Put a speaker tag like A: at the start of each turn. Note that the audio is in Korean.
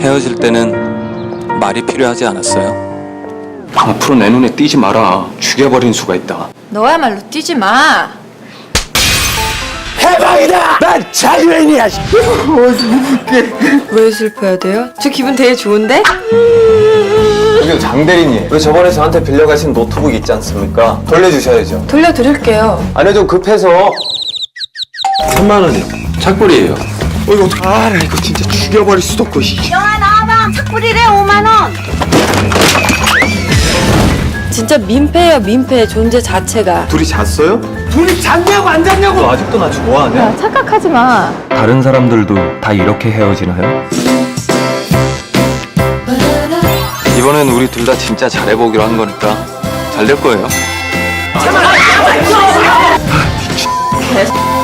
A: 헤어질 때는 말이 필요하지 않았어요?
B: 앞으로 내 눈에 띄지 마라. 죽여버린 수가 있다.
C: 너야말로 뛰지 마.
D: 대박이다! 난 자유인이야!
C: 왜 슬퍼야 돼요? 저 기분 되게 좋은데?
E: 저기요, 장 대리님. 왜 저번에 저한테 빌려가신 노트북 있지 않습니까? 돌려주셔야죠.
C: 돌려드릴게요.
E: 아니요, 좀 급해서.
B: 3만 원이요. 착불이에요.
D: 이거 어떡해. 나 이거 진짜 죽여버릴 수도 없고.
F: 영아 나와봐. 착불이래 5만 원.
C: 진짜 민폐예요, 민폐. 존재 자체가.
E: 둘이 잤어요?
D: 둘이 잤냐고 안 잤냐고!
E: 너 아직도 나 좋아하냐?
C: 착각하지 마.
B: 다른 사람들도 다 이렇게 헤어지나요?
A: 이번엔 우리 둘 다 진짜 잘해보기로 한 거니까 잘 될 거예요.